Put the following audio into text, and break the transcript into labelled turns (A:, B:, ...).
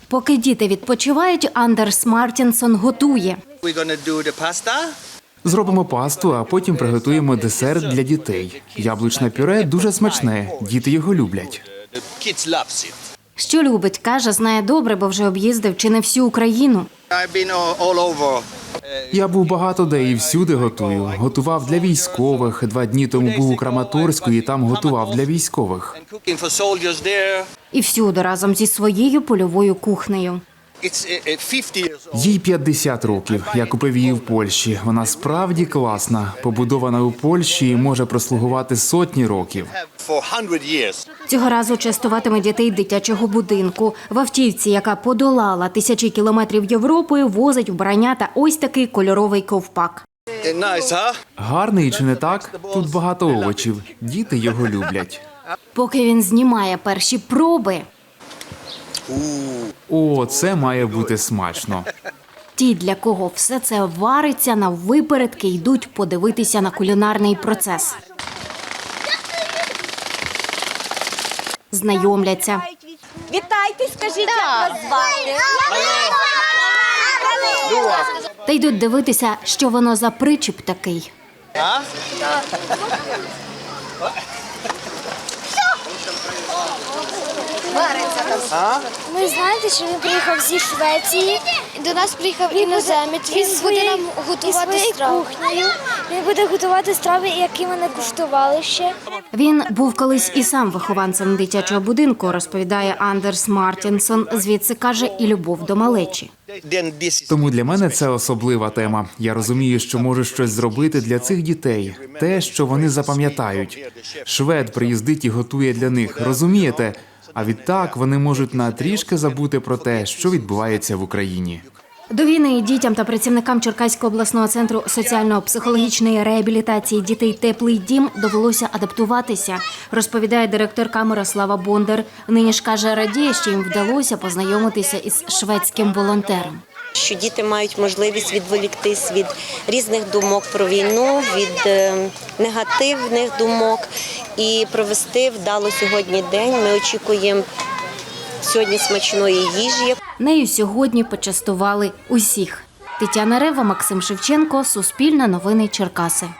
A: Поки діти відпочивають, Андерс Мартінсон готує.
B: Зробимо пасту, а потім приготуємо десерт для дітей. Яблучне пюре дуже смачне, діти його люблять.
A: Що любить, каже, знає добре, бо вже об'їздив чи не всю Україну.
B: Я був багато де і всюди готую. Готував для військових. 2 дні тому був у Краматорську і там готував для військових.
A: І всюди разом зі своєю польовою кухнею.
B: Їй 50 років. Я купив її в Польщі. Вона справді класна. Побудована у Польщі і може прослугувати сотні років.
A: Цього разу частуватиме дітей дитячого будинку. В автівці, яка подолала тисячі кілометрів Європи, возить вбрання та ось такий кольоровий ковпак.
B: Гарний чи не так? Тут багато овочів. Діти його люблять.
A: Поки він знімає перші проби,
B: О, це має бути смачно.
A: ті, для кого все це вариться, наввипередки йдуть подивитися на кулінарний процес. Знайомляться.
C: Вітайте, скажіть, як вас звати?
A: Та йдуть дивитися, що воно за причіп такий.
D: Ми знаєте, що він приїхав зі Швеції, до нас приїхав іноземець, він буде нам готувати страви. Він буде готувати страви, які ми не куштували ще.
A: Він був колись і сам вихованцем дитячого будинку, розповідає Андерс Мартінсон. Звідси, каже, і любов до малечі.
B: Тому для мене це особлива тема. Я розумію, що можу щось зробити для цих дітей. Те, що вони запам'ятають. Швед приїздить і готує для них, розумієте? А відтак вони можуть на трішки забути про те, що відбувається в Україні.
A: До війни дітям та працівникам Черкаського обласного центру соціально-психологічної реабілітації дітей «Теплий дім» довелося адаптуватися, розповідає директорка Мирослава Бондар. Нині ж, каже, радіє, що їм вдалося познайомитися із шведським волонтером.
C: Що діти мають можливість відволіктись від різних думок про війну, від негативних думок і провести вдало сьогодні день. Ми очікуємо сьогодні смачної їжі.
A: Нею сьогодні почастували усіх. Тетяна Рева, Максим Шевченко, Суспільне новини Черкаси.